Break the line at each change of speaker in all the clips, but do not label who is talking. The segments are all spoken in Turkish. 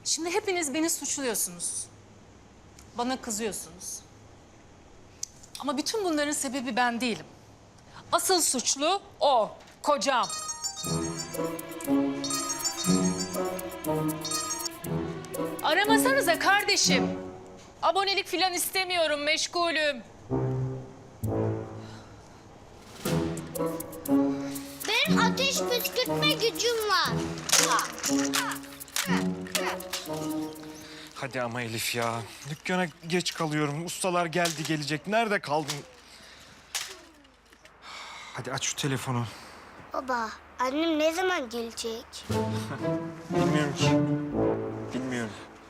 Şimdi hepiniz beni suçluyorsunuz. Bana kızıyorsunuz. Ama bütün bunların sebebi ben değilim. Asıl suçlu o, kocam. Aramasanıza kardeşim. Abonelik falan istemiyorum, meşgulüm.
Benim ateş püskürtme gücüm var.
Hadi ama Elif ya. Dükkana geç kalıyorum. Ustalar geldi gelecek. Nerede kaldın? Hadi aç şu telefonu.
Baba, annem ne zaman gelecek?
Bilmiyorum ki. Bilmiyorum.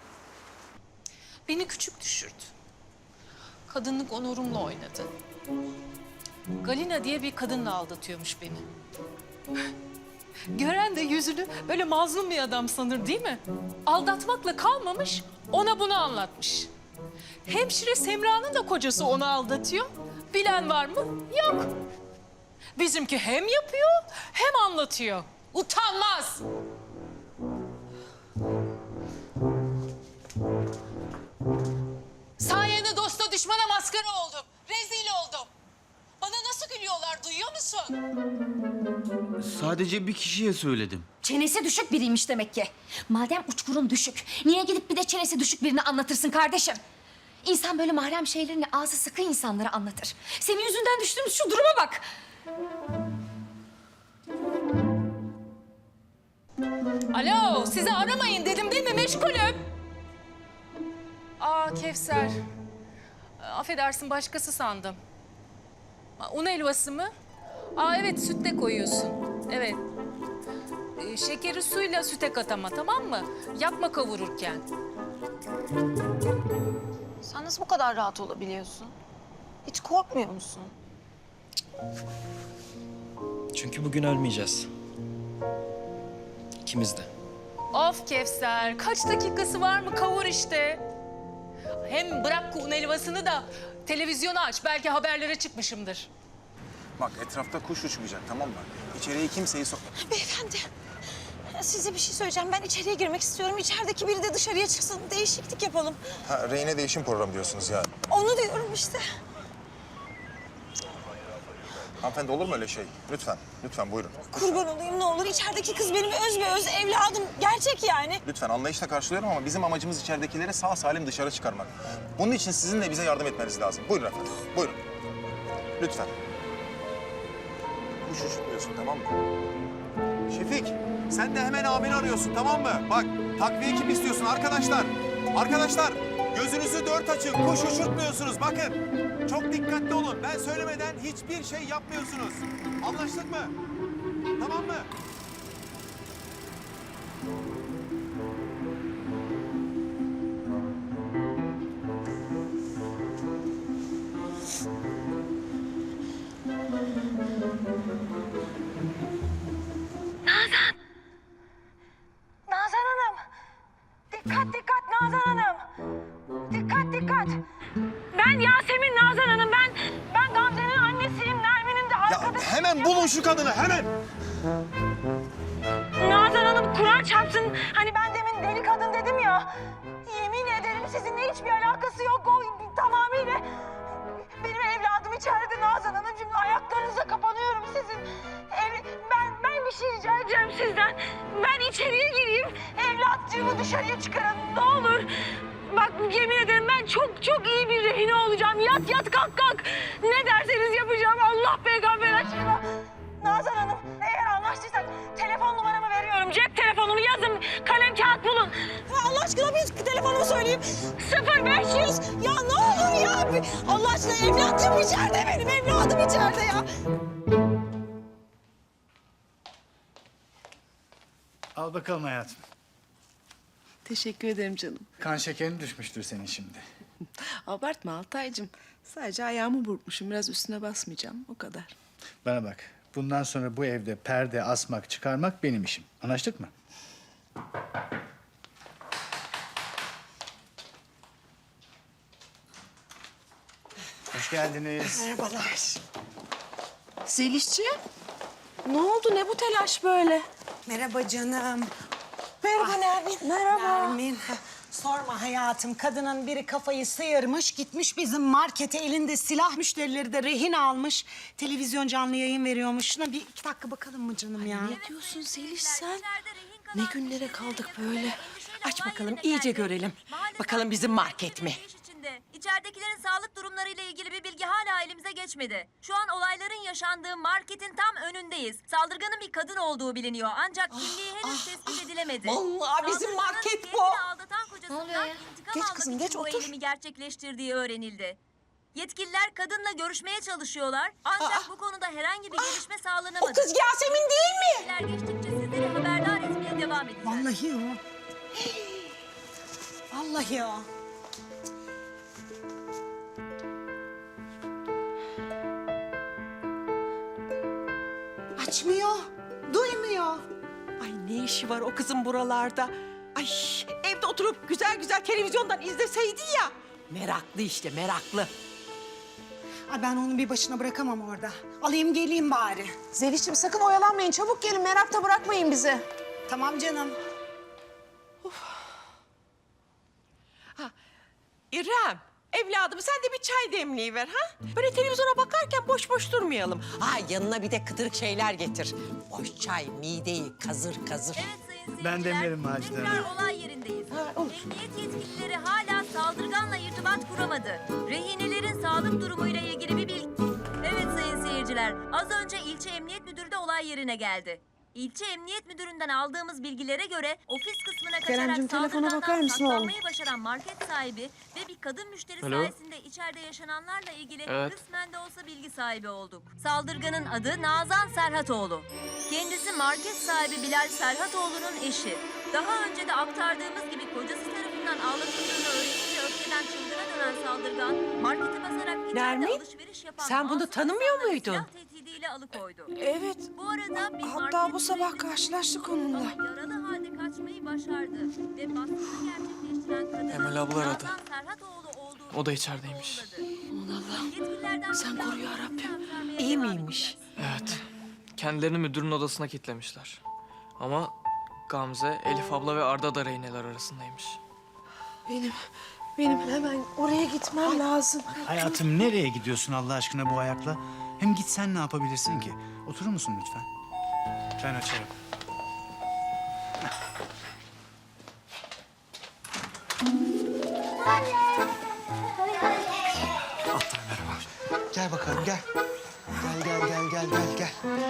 Beni küçük düşürdü. Kadınlık onurumla oynadı. Galina diye bir kadınla aldatıyormuş beni. Gören de yüzünü böyle mazlum bir adam sanır değil mi? Aldatmakla kalmamış, ona bunu anlatmış. Hemşire Semra'nın da kocası onu aldatıyor. Bilen var mı? Yok. Bizimki hem yapıyor hem anlatıyor. Utanmaz. Sayende dosta düşmana maskara oldum. Rezil oldum. Bana nasıl gülüyorlar duyuyor musun?
Sadece bir kişiye söyledim.
Çenesi düşük biriymiş demek ki. Madem uçkurun düşük, niye gidip bir de çenesi düşük birini anlatırsın kardeşim? İnsan böyle mahrem şeylerini ağzı sıkı insanlara anlatır. Senin yüzünden düştüğümüz şu duruma bak.
Alo, sizi aramayın dedim değil mi? Meşgulüm. Aa Kevser. Affedersin başkası sandım. Un helvası mı? Aa evet sütle koyuyorsun. Evet. Şekeri suyla süte kat ama tamam mı? Yakma kavururken.
Sen nasıl bu kadar rahat olabiliyorsun? Hiç korkmuyor musun?
Çünkü bugün ölmeyeceğiz. İkimiz de.
Of Kevser, kaç dakikası var mı? Kavur işte. Hem bırak un helvasını da televizyonu aç. Belki haberlere çıkmışımdır.
Bak etrafta kuş uçmayacak tamam mı? İçeriye kimseyi sok...
Beyefendi, size bir şey söyleyeceğim. Ben içeriye girmek istiyorum. İçerideki biri de dışarıya çıksın. Değişiklik yapalım.
Ha, rehine değişim programı diyorsunuz yani.
Onu diyorum işte.
Hanımefendi olur mu öyle şey? Lütfen, lütfen buyurun.
Kurban olayım ne olur. İçerideki kız benim öz be öz evladım. Gerçek yani.
Lütfen anlayışla karşılıyorum ama bizim amacımız içeridekileri sağ salim dışarı çıkarmak. Bunun için sizin de bize yardım etmeniz lazım. Buyurun efendim, buyurun. Lütfen. Kuş uçurtmuyorsun tamam mı? Şefik, sen de hemen abini arıyorsun tamam mı? Bak, takviye kim istiyorsun arkadaşlar? Arkadaşlar, gözünüzü dört açın. Kuş uçurtmuyorsunuz bakın. Çok dikkatli olun. Ben söylemeden hiçbir şey yapmıyorsunuz. Anlaştık mı? Tamam mı?
Nazan Hanım. Dikkat dikkat Nazan Hanım. Dikkat dikkat. Ben Yasemin Nazan Hanım. Ben Gamze'nin annesiyim. Nermin'in de
Ya
arkadaşı.
hemen bulun şu kadını hemen.
Nazan Hanım Kur'an çarpsın. Hani ben demin deli kadın dedim ya. Yemin ederim sizinle hiçbir alakası yok. O tamamıyla benim evladım içeride Nazan Hanımcığım. Ayaklarınıza kapanıyorum sizin. Ben bir şey rica edeceğim sizden. Ben içeriye gireyim. Evlatçığımı dışarıya çıkarın ne olur. Bak yemin ederim ben çok iyi bir rehine olacağım. Yat kalk kalk. Ne derseniz yapacağım. Allah peygamber aşkına. Nazan Hanım eğer anlaştıysak telefon numaramı veriyorum. Cep telefonumu yazın. Kalem kağıt bulun. Allah aşkına bir telefonumu söyleyeyim. 0500. Ya ne olur ya. Allah aşkına evladım içeride benim. Evladım içeride ya.
Al bakalım hayatım.
Teşekkür ederim canım.
Kan şekerin düşmüştür senin şimdi.
Abartma Altaycığım. Sadece ayağımı burkmuşum. Biraz üstüne basmayacağım. O kadar.
Bana bak. Bundan sonra bu evde perde asmak, çıkarmak benim işim. Anlaştık mı? Hoş geldiniz.
Merhabalar. Zelişciğim. Ne oldu? Ne bu telaş böyle?
Merhaba canım.
Merhaba Nermin. Merhaba.
Nermin, sorma hayatım. Kadının biri kafayı sıyırmış, gitmiş bizim markete elinde silah, müşterileri de rehin almış. Televizyon canlı yayın veriyormuş. Şuna bir 2 dakika bakalım mı canım ya?
Ne diyorsun Zeliş sen? Ne günlere kaldık böyle? Aç bakalım iyice görelim. Bakalım bizim market mi?
İçeridekilerin sağlık durumlarıyla ilgili bir bilgi hala elimize geçmedi. Şu an olayların yaşandığı marketin tam önündeyiz. Saldırganın bir kadın olduğu biliniyor ancak kimliği henüz tespit edilemedi.
Vallahi bizim
Saldırganın
market bu.
kendini aldatan kocasından intikam
Geç
almak
kızım,
için
geç,
bu
otur.
eylemi gerçekleştirdiği öğrenildi. Yetkililer kadınla görüşmeye çalışıyorlar ancak bu konuda herhangi bir gelişme sağlanamadı.
O kız Yasemin değil mi?
Yetkililer geçtikçe sizleri haberdar etmeye devam edeceğiz.
Vallahi o. Vallahi o. Açmıyor, duymuyor.
Ay ne işi var o kızın buralarda? Ay evde oturup güzel güzel televizyondan izleseydi ya. Meraklı işte meraklı.
Ay ben onu bir başına bırakamam orada. Alayım geleyim bari.
Zeliş'ciğim sakın oyalanmayın. Çabuk gelin. Merakta bırakmayın bizi.
Tamam canım.
İrem, evladım sen de bir çay demliğiver ha? Böyle televizyona bakarken boş boş durmayalım. Ha yanına bir de kıtırık şeyler getir. Boş çay mideyi kazır kazır.
Evet sayın seyirciler,
Ben demlerim Macide Hanım.
tekrar olay yerindeyiz. Emniyet yetkilileri hala saldırganla irtibat kuramadı. Rehinelerin sağlık durumuyla ilgili bir bilgi... Evet sayın seyirciler, az önce ilçe emniyet müdürü de olay yerine geldi. İlçe emniyet müdüründen aldığımız bilgilere göre ofis kısmına
Keremcim,
kaçarak
telefona bakar
saldırgandan
mısın oğlum?
saklanmayı başaran market sahibi ve bir kadın müşteri sayesinde içeride yaşananlarla ilgili kısmen de olsa bilgi sahibi olduk. Saldırganın adı Nazan Serhatoğlu. Kendisi market sahibi Bilal Serhatoğlu'nun eşi. Daha önce de aktardığımız gibi kocası tarafından ağlatıldığını öğrenince öfkeden çılgına dönen saldırgan marketi basarak içeride
Nermin,
alışveriş yapan
sen bunu
masum
tanımıyor
insanları
muydun?
silah tehdidiyle alıkoydu.
Evet.
Bu arada bir
Hatta
market
bu sabah
mühendisi
karşılaştık
oldu
onunla.
ama yaralı halde kaçmayı başardı ve baskını gerçekleştiren kadının
Emel abla aradı.
Nazan Serhatoğlu olduğunu
O da içerideymiş.
Yetkililerden
Sen
bilgi
koru ya
aldık,
Rabbim.
aktarmaya
İyi
devam
miymiş?
edeceğiz.
Evet. Kendilerini müdürün odasına kilitlemişler. Ama Gamze, Elif abla ve Arda da rehineler arasındaymış.
Benim hemen oraya gitmem lazım.
Hayatım nereye gidiyorsun Allah aşkına bu ayakla? Hem gitsen ne yapabilirsin ki? Oturur musun lütfen? Ben açarım.
Gel bakalım gel. Gel.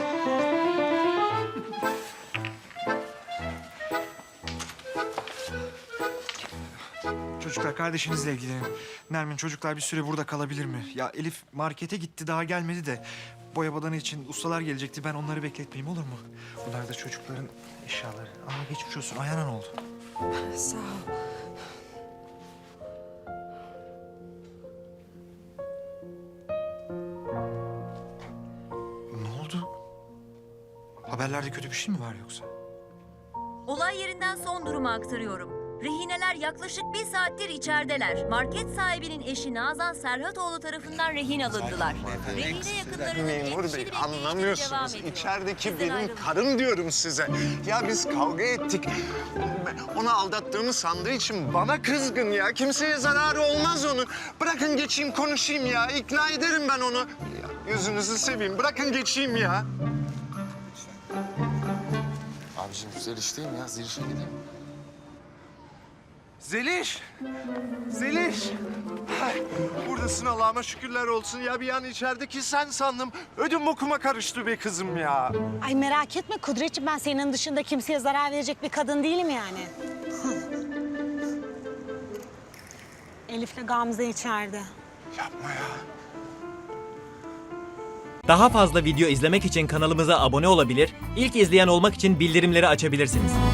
Çocuklar kardeşinizle ilgilenin. Nermin çocuklar bir süre burada kalabilir mi? Ya Elif markete gitti daha gelmedi de boya badana için ustalar gelecekti. Ben onları bekletmeyeyim olur mu? Bunlar da çocukların eşyaları. Geçmiş olsun. Ayağına ne oldu?
Sağ ol.
Ne oldu? Haberlerde kötü bir şey mi var yoksa?
Olay yerinden son durumu aktarıyorum. Rehineler yaklaşık 1 saattir içerideler. Market sahibinin eşi Nazan Serhatoğlu tarafından rehin alındılar. Rehine yakınlarının
Memur
endişeli
Bey
bekleyişiyle devam
anlamıyorsunuz.
ediyor.
İçerideki
Bizden
benim
ayrılmayın.
karım diyorum size. Ya biz kavga ettik. Onu aldattığımı sandığı için bana kızgın ya. Kimseye zararı olmaz onun. Bırakın geçeyim konuşayım ya. İkna ederim ben onu. Ya, yüzünüzü seveyim. Bırakın geçeyim ya.
Abicim Zeliş'teyim ya. Zeliş'e gideyim.
Zeliş. Ay, buradasın Allah'ıma şükürler olsun ya. Bir an içerideki sen sandım. Ödüm bokuma karıştı be kızım ya.
Ay merak etme Kudretciğim, ben senin dışında kimseye zarar verecek bir kadın değilim yani. Elif'le Gamze içeride.
Yapma ya.
Daha fazla video izlemek için kanalımıza abone olabilir, ilk izleyen olmak için bildirimleri açabilirsiniz.